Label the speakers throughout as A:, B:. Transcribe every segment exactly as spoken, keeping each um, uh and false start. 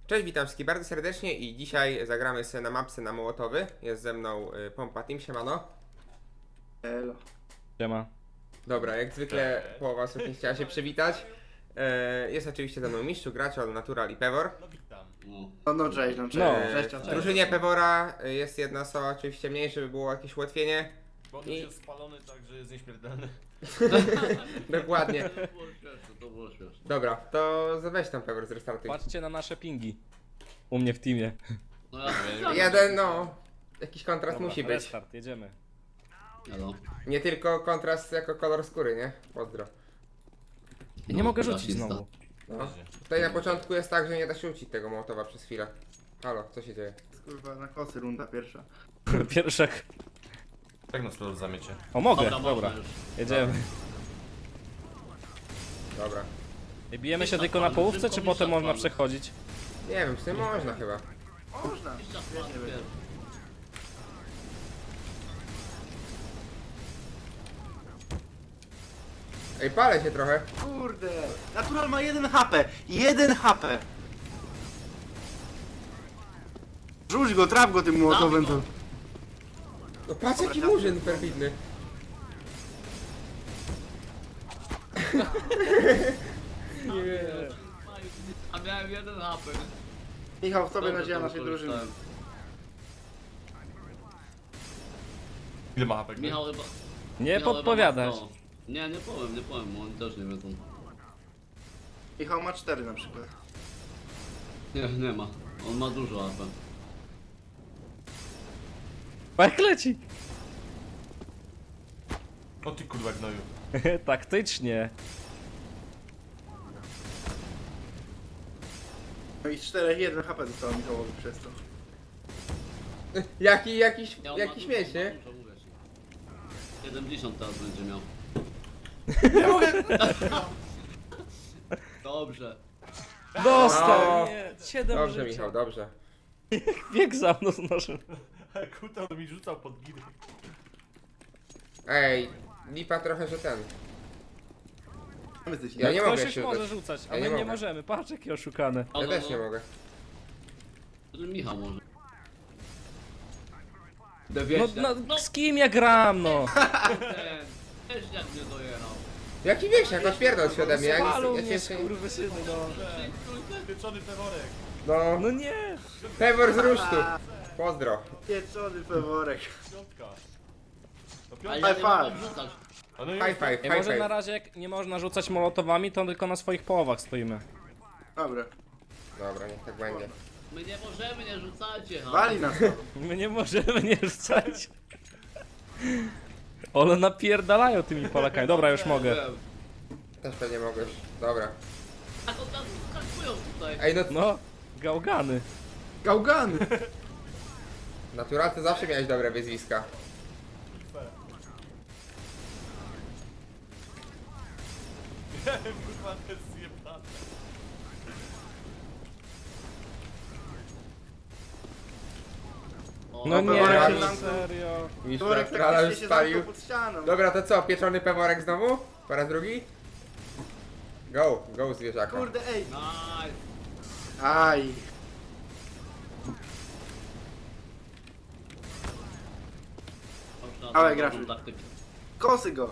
A: Cześć, witam wszystkich bardzo serdecznie i dzisiaj zagramy sobie na mapce na Mołotowy. Jest ze mną y, Pompa Team, siemano.
B: Elo.
C: Siema.
A: Dobra, jak zwykle połowa osób nie chciała się przywitać. E, jest oczywiście ze mną Mistrzu, Graciol, Natural i Pewor.
D: No witam.
B: No, no cześć, no cześć.
C: No.
B: Cześć,
A: W
B: cześć.
A: drużynie Pewora y, jest jedna osoba oczywiście mniej, żeby było jakieś ułatwienie.
D: Bo on
A: I-
D: już jest spalony, także jest nieśmiertelny.
A: Dokładnie.
E: To było śmieszne, to było śmieszne.
A: Dobra, to weź tam Pewor, zrestartuj.
C: Patrzcie na nasze pingi. U mnie w teamie.
E: No ja
A: Jeden, no. Jakiś kontrast
C: Dobra,
A: musi być.
C: Restart, jedziemy.
E: Elo.
A: Nie tylko kontrast jako kolor skóry, nie? Pozdro.
C: Ja nie mogę
E: rasista.
C: rzucić znowu.
A: No. Tutaj na początku jest tak, że nie da się rzucić tego Mołotowa przez chwilę. Halo, co się dzieje?
B: Kurwa, na kosy runda pierwsza.
C: Pierwszak.
D: Jak nas to zamiecie?
C: O, mogę,
E: Dobra,
C: dobra.
E: można już.
C: Jedziemy.
A: Dobra.
C: I bijemy się tylko na połówce, czy potem można przechodzić?
A: Nie wiem, w tym można chyba.
B: Można. Świetnie będzie.
A: Ej, palę się trochę.
B: Kurde. Natural ma jeden H P. Jeden H P. Rzuć go, traf go tym młotowym.
E: Dawaj
B: To...
E: go.
A: No patrz jaki murzyn perfidny.
E: A miałem jeden H P.
B: Michał, w tobie
E: Dobrze,
B: nadzieja
E: to
B: naszej drużyny.
E: wykorzystałem.
D: Ile ma hapek?
E: Michał chyba...
C: Nie
E: Michał
C: podpowiadasz.
E: chyba ma- no. Nie, nie powiem, nie powiem, bo oni też nie wiedzą.
B: Michał ma cztery na przykład.
E: Nie, nie ma. On ma dużo H P.
C: Jak leci.
D: O ty kurwa gnoju.
C: Taktycznie.
B: No i z czterech jeden H P zostało Michałowi przez to.
A: Jaki, jakiś,
E: Nie, on
A: jaki
E: ma
A: śmieć,
E: dużo,
A: nie?
E: ma dużo, mówię ci. siedemdziesiąt teraz będzie miał. Dobrze.
C: Dostał! Nie, siedem
A: Dobrze,
C: życia.
A: Michał, dobrze.
C: Bieg za mną z nożem.
D: Kuta mi rzucał pod giry.
A: Ej, lipa trochę, że ten.
B: Mamy coś
A: Ja nie
C: Ktoś
A: mogę
C: już
A: się
C: może
A: udać.
C: rzucać, a
A: Ja
C: my
A: nie
C: nie,
A: mogę.
C: możemy. Patrz jakie oszukane.
E: No,
A: Ja
E: no,
A: też
E: no.
A: nie mogę.
E: To Michał może.
C: No, no z kim ja gram, no?
E: Ten, też jak mnie dojechał.
A: Jaki wieśniak, odpierdol się ode mnie. Ja,
C: Spalą
A: nic, ja
C: mnie,
A: cię jeszcze nie...
C: skurwysyny, no.
D: Pieczony peworek.
A: No,
C: No nie!
A: Pewor z rusztu. Pozdro.
B: Pieczony peworek.
D: Piątka. No
E: Ale
D: piątka.
E: ja
B: High
E: nie mogę
B: five.
E: wrzucać.
D: A no
A: High
D: jest.
A: five,
C: Ej,
A: high
C: może na
A: five.
C: razie jak nie można rzucać molotowami, to tylko na swoich połowach stoimy.
B: Dobra.
A: Dobra, niech tak będzie.
E: My nie możemy, nie rzucajcie, ha.
B: Wali nas to.
C: My nie możemy nie rzucać. One napierdalają tymi Polakami. Dobra, już mogę.
A: Też pewnie mogłeś. Dobra.
E: Tak od razu skakują tutaj.
A: Ej, no,
C: No, gałgany.
B: Gałgany.
A: Natural, ty zawsze miałeś dobre wyzwiska.
D: Kurwa, to jest zjebane.
E: O,
C: No nie,
B: Peworek
A: no
B: nam-
C: serio.
A: Mistrz
B: Peworek
A: Naturala
B: praktycznie
A: już
B: się
A: spalił.
B: zamknął pod ścianą.
A: Dobra, to co? Pieczony peworek znowu? Po raz drugi? Go, go zwierzaka.
B: Kurde, ej.
E: Nice.
B: Aj.
E: Dobrze,
B: Dawaj,
E: dobrą
B: Graszu.
E: taktykę.
B: Kosy go.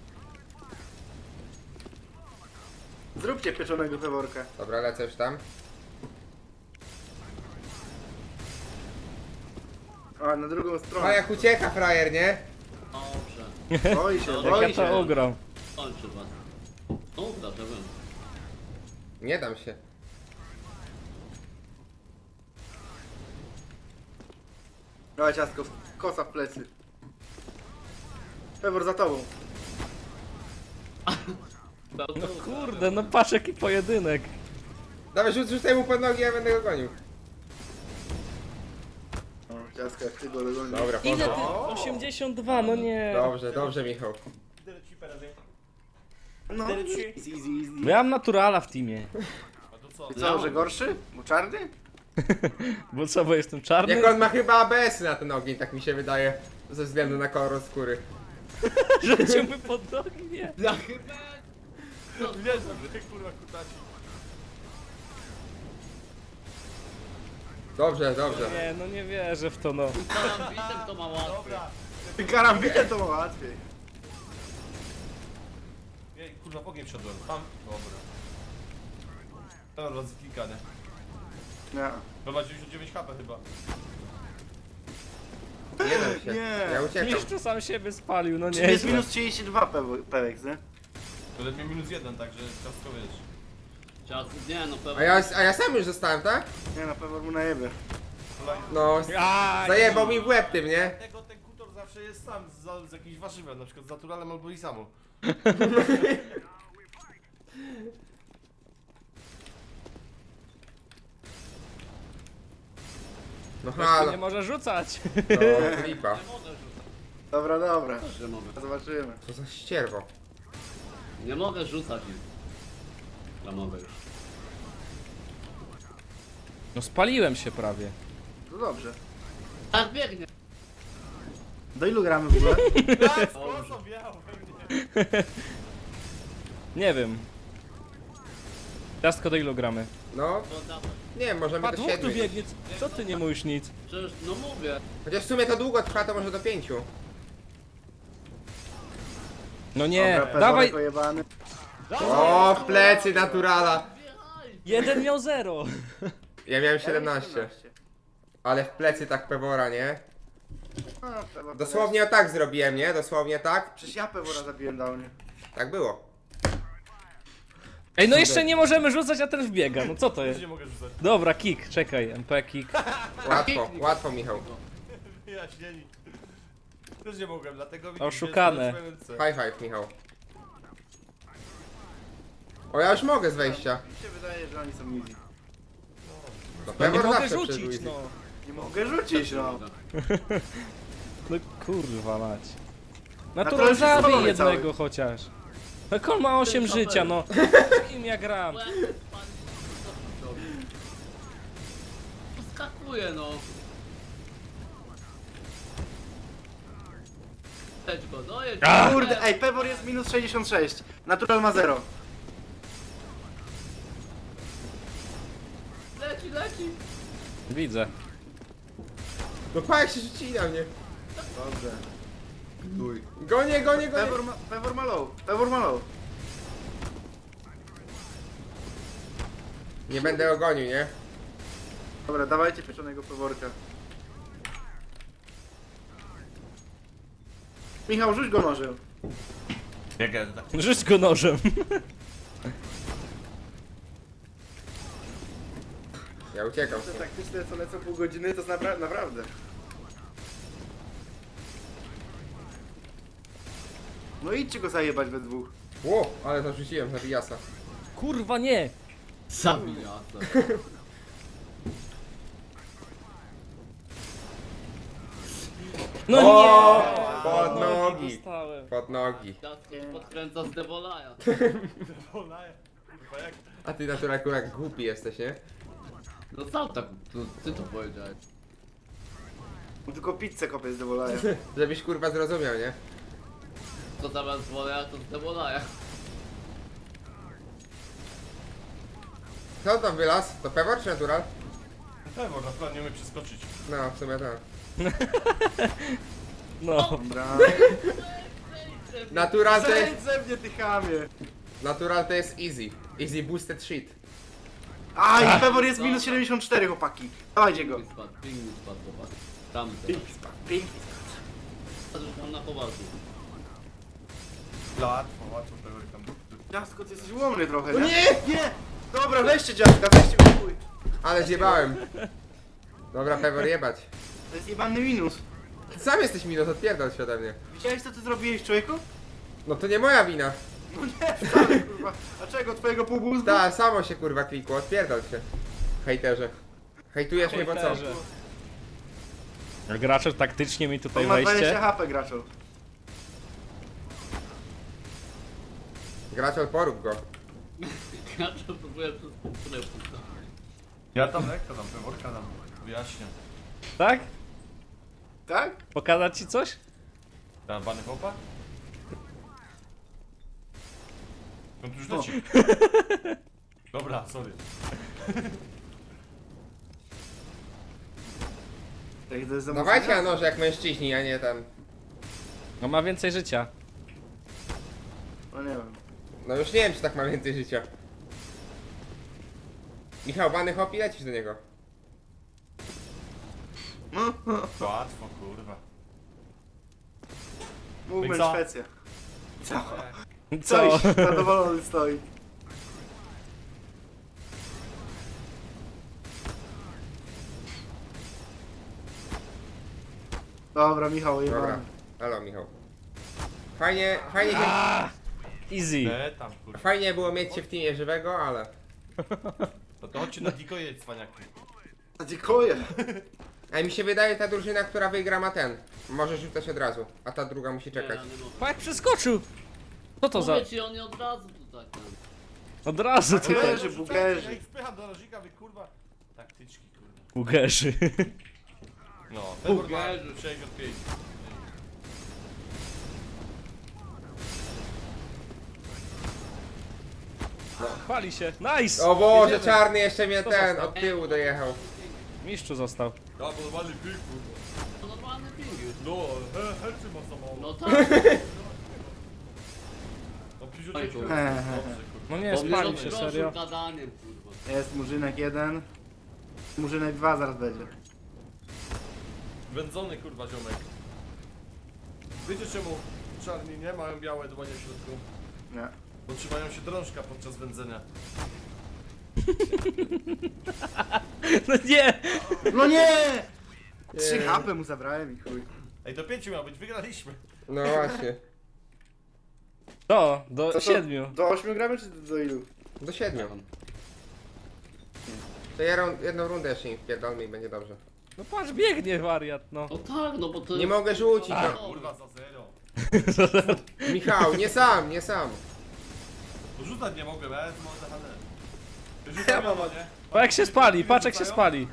B: Zróbcie pieczonego peworka.
A: Dobra, lecę już tam.
B: A, na drugą
A: O,
B: stronę.
A: jak ucieka frajer, nie?
E: Dobrze.
B: Boi się,
E: Jak
C: Jak
B: boi
C: ja to
B: się.
C: ugram.
E: Kończy was. No uda, że wiem.
A: Nie dam się.
B: Dawaj ciastko, kosa w plecy. Pewor za tobą.
C: No kurde, no patrz jaki pojedynek.
A: Dawaj, rzuć, rzucaj mu pod nogi, ja będę go gonił.
B: O, ciastko, jak ty go dogonisz.
A: Dobra,
C: Ile
A: pozdro.
C: ty? osiemdziesiąt dwa, no nie.
A: Dobrze, dobrze, Michał.
B: No, easy, easy, easy.
C: Miałem naturala w teamie.
D: A to co?
B: I co, że gorszy? Bo czarny?
C: Bo co, bo jestem czarny?
A: Jak on ma chyba A B S na ten ogień, tak mi się wydaje. Ze względu na kolor skóry.
C: Rzucił mi pod nogi, nie.
E: Ja chyba...
D: Nie, że ty kurwa kutaci.
A: Dobrze, dobrze.
C: Nie, no nie wierzę w to, no.
E: Karambitem to ma łatwiej.
D: Dobra.
B: Ty karambitem to ma łatwiej.
D: Jej, kurwa, w ogień wszedłem. Tam. Dobra. Dobra, raz kilka, nie?
B: Nie.
D: Dobra, dziewięćdziesiąt dziewięć H P chyba.
A: Nie dam się.
B: Nie.
A: Ja uciekam.
C: Mistrzu sam siebie spalił, no
B: Czyli jest
C: nie.
B: minus trzydzieści dwa Pewek, nie?
D: To ledwie minus jeden, także ciastko wiesz.
E: Czas, nie no, pewnie.
A: A ja, a ja sam już zostałem, tak?
B: Nie, na pewno mu najebie.
D: Kolejny.
A: No,
C: A,
A: zajebał mi w łeb tym, nie?
D: Dlatego ten kutor zawsze jest sam z, z jakimś warzywem, na przykład z naturalem albo i samo.
A: No
C: Ktoś tu
A: halo,
C: nie może rzucać.
A: no klipa.
E: Nie mogę rzucać.
B: Dobra, dobra.
E: Też nie mogę.
B: Zobaczymy.
A: Co za ścierwo.
E: Nie mogę rzucać ich. Ja mogę już.
C: No spaliłem się prawie.
B: To dobrze.
E: Tak biegnie.
B: Do ilu gramy w ogóle?
D: Tak, z kosą wjechał we mnie.
C: Nie wiem. Ciastko do ilu gramy?
A: No,
E: To dawaj.
A: nie, możemy
C: A
A: do
C: dwóch tu
A: siedmiu.
C: biegnie, co ty nie mówisz nic?
E: Przecież, no mówię.
A: Chociaż w sumie to długo trwa, to może do pięciu.
C: No nie,
B: Dobra,
C: dawaj!
B: Peworek ojebany.
A: O, w plecy naturala.
E: Wjechaj.
C: Jeden miał zero.
A: Ja miałem siedemnaście. Ale w plecy tak pewora, nie?
B: A, Pewor
A: Dosłownie o tak zrobiłem, nie? Dosłownie tak.
B: Przecież ja Pewora zabiłem downie.
A: Tak było.
C: Ej, no jeszcze nie możemy rzucać, a ten wbiega, no co to
D: Też
C: jest?
D: nie mogę rzucać.
C: Dobra, kick, czekaj, M P kick.
A: Łatwo, łatwo Michał.
D: Wyjaśnieni. Też nie mogłem, dlatego widzisz,
C: Oszukane.
D: że jest w swoim
A: High five Michał. O, ja już mogę z wejścia.
B: Mi się wydaje, że oni są easy.
A: No
C: No
A: pewor
C: nie mogę
A: zawsze
C: rzucić,
A: przyszedł
C: no.
B: Nie mogę rzucić, no.
C: No kurwa mać.
B: Natural
C: Natural
B: się
C: zabij
B: spalony
C: jednego
B: cały.
C: chociaż. Jak on ma osiem
E: Ten
C: życia,
E: kabel.
C: no. Z kim ja gram?
E: Skakuje no. Jedź go, dojedź go.
C: A!
B: Kurde, ej, Pewor jest minus sześćdziesiąt sześć. Natural ma zero.
E: Leci, leci.
C: Widzę.
A: No pa, jak się rzucili na mnie.
B: Dobrze.
A: Gonię, gonię, gonię.
B: Pewor ma, Pewor ma low. Pewor ma low.
A: Nie będę go gonił, nie?
B: Dobra, dawajcie pieczonego Peworka. Michał, rzuć go nożem.
D: Jak ja tak.
C: Rzuć go nożem.
A: Ja uciekam.
B: Te taktyczne co lecą pół godziny to jest napra naprawdę. No idźcie go zajebać we dwóch.
A: Ło, ale to rzuciłem na Biasa.
C: Kurwa nie.
E: Zabija.
C: No
A: O,
C: nie.
A: pod nogi.
C: Dostałem.
A: Pod nogi.
E: Ciastko podkręca z Devolaja.
D: Polaje. Kurwa jak.
A: A ty naturalku jak głupi jesteś, nie?
E: No sam tak, to, ty to powiedziałeś.
B: On tylko pizzę kopie z Devolaja.
A: Żebyś kurwa zrozumiał, nie?
E: To zamiast Devolaja to z Devolaja.
A: Co tam wylazł? To pewor czy natural?
D: Pewor, na przykład nie umie przeskoczyć.
A: No, w sumie tak.
C: No.
B: Dobra.
A: Natural to jest...
B: Zejdź ze mnie, ty chamie.
A: Natural to jest easy. Easy boosted shit.
B: A, i Pewor jest minus siedemdziesiąt cztery, chłopaki. Dawajcie go.
E: Ping spadł, ping mi spadł, zobacz. Tam
B: Pink
E: teraz.
B: spadł, pink.
E: Tam na poważnie.
D: Łatwo, łatwo Pewor tam.
B: Ciastko, ty jesteś łomny trochę,
A: No
B: nie?
A: nie!
B: Nie! Dobra, weźcie dziadka, weźcie go w chuj.
A: Ale zjebałem. Dobra, pewor jebać.
B: To jest jebany minus.
A: Ty sam jesteś minus, odpierdol się ode mnie.
B: Widziałeś co ty zrobiłeś, człowieku?
A: No to nie moja wina.
B: No nie, wcale, kurwa. A czego, twojego półbózgu?
A: Ta, samo się kurwa klikło, odpierdol się. Hejterze. Hejtujesz mnie, bo co?
C: Hejterze. Gracze taktycznie mi tutaj
B: On ma dwadzieścia
C: wejście.
B: H P, graczu.
A: Gracz porób go.
E: Ja to próbuję przez półtorej punkta.
D: Ja tam lekko dam, Peworka dam. Wyjaśnię.
C: Tak?
B: Tak?
C: Pokazać ci coś?
D: Dam bany hopa? No tu już leci. Dobra, sorry.
B: Jak to jest za
A: Dawajcie na
B: mocno?
A: noże jak mężczyźni, a nie tam.
C: No ma więcej życia.
B: No nie wiem.
A: No już nie wiem, czy tak ma więcej życia. Michał, bany hop i lecisz do niego.
D: Łatwo, kurwa.
B: Movement
D: co?
B: Szwecja. Co?
C: Co?
B: Coś, zadowolony stoi. Dobra, Michał,
A: Dobra.
B: jebany.
A: Halo, Michał. Fajnie, fajnie, się,
C: Easy.
D: E, tam, kurwa.
A: fajnie było mieć cię w teamie żywego, ale...
D: No to chodźcie na dikoje, cwaniaki.
B: Dziękuję.
A: A mi się wydaje, ta drużyna, która wygra, ma ten. Może rzucać od razu, a ta druga musi czekać.
E: Nie, nie
C: Pa jak przeskoczył! Co to za...
E: Mówię ci, on nie od razu tu tak. ten.
C: Od razu tutaj.
B: Bugerzy, bugerzy.
D: Ja ich wpycham do rażika, wy kurwa. Taktyczki, kurwa.
C: Ugerzy.
D: No, ten
E: Bugerzy.
D: ma sześćdziesiąt pięć.
C: Pali się. Nice!
A: O Boże,
C: Jedziemy.
A: czarny jeszcze mnie
C: To
A: ten,
C: został.
A: od tyłu dojechał.
C: Mistrzu został.
D: Ja, bo normalny pik, kurwa.
E: To normalny ping już.
D: No, he, hercy ma za mało.
E: No tak.
D: No,
E: Oj,
D: pięćdziesiąt
E: kurwa.
B: He, he,
D: Dobrze,
B: he.
D: kurwa.
C: No nie,
E: Bo mnie
C: spalił się,
E: rozproszył
C: serio.
E: gadaniem, kurwa.
B: Jest murzynek jeden. Murzynek dwa zaraz będzie.
D: Wędzony, kurwa, ziomek. Wiecie czemu czarni nie mają białe dłonie w środku?
B: Nie.
D: Bo trzymają się drążka podczas wędzenia.
C: No nie!
B: No nie! Trzy
A: Nie.
B: hapy mu zabrałem i chuj.
D: Ej, do pięciu miał być, wygraliśmy.
A: No właśnie.
C: To, do
B: To co,
C: siedmiu.
B: Do ośmiu gramy czy do ilu?
A: Do siedmiu. To ja rą- jedną rundę jeszcze im wpierdolmy i będzie dobrze.
C: No patrz, biegnie wariat, no.
E: No tak, no bo to
A: Nie
E: jest...
A: mogę rzucić, no.
D: Kurwa, za zero.
A: Michał, nie sam, nie sam.
D: Rzucać nie mogę, bez może hanę. Rzucam, ja nie?
C: Pa jak się spali, patrz jak się spali.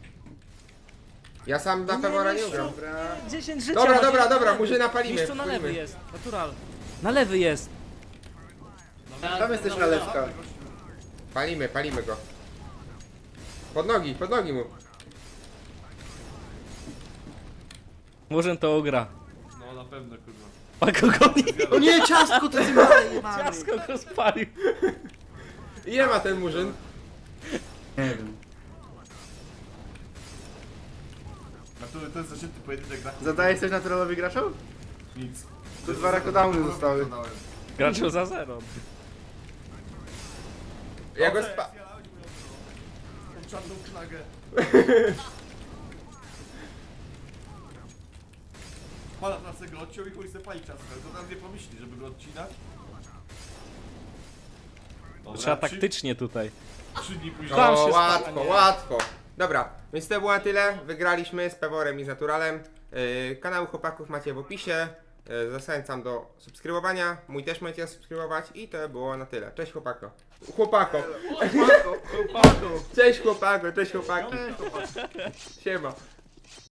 A: Ja sam na Pewora nie ugram.
B: Dobra.
C: dziesięć życia
A: Dobra,
C: ma,
A: dobra,
C: nie-
A: dobra, murzyna palimy.
C: Mistrzu na lewy
A: wpłyńmy.
C: jest, natural. Na lewy jest.
B: Tam jesteś na lewka.
A: Palimy, palimy go. Pod nogi, pod nogi mu.
C: Murzyn to ugra.
D: No na pewno, kurwa.
C: Pako goni.
B: O nie, ciastko to jest małe jebany.
C: Ciasko go spalił.
A: Ile ma ten murzyn?
B: Nie wiem.
D: A to, to jest zacięty pojedynek na
B: Zadajesz coś naturalowi graczom?
D: nic.
B: Tu dwa rakodowny zostały.
D: Zadałem.
C: Graczył za zero.
A: Ja go
D: Dobrze,
A: spa...
D: zjarałeś moją tą czarną knagę. Pana pracę go odciął i chuj se pali czasem. To tam nie pomyśli, żeby go odcinać. Dobra,
C: Trzeba
D: trzy-
C: taktycznie tutaj.
D: Trzy dni później.
C: Tam
A: O,
C: się
A: łatwo,
C: stanie.
A: łatwo. Dobra, więc to było na tyle. Wygraliśmy z Peworem i z Naturalem. Yy, kanał chłopaków macie w opisie. Yy, zachęcam do subskrybowania. Mój też możecie subskrybować. I to było na tyle. Cześć chłopako. Chłopako.
B: Chłopako, chłopako.
A: Cześć chłopako, cześć chłopaki. Siema.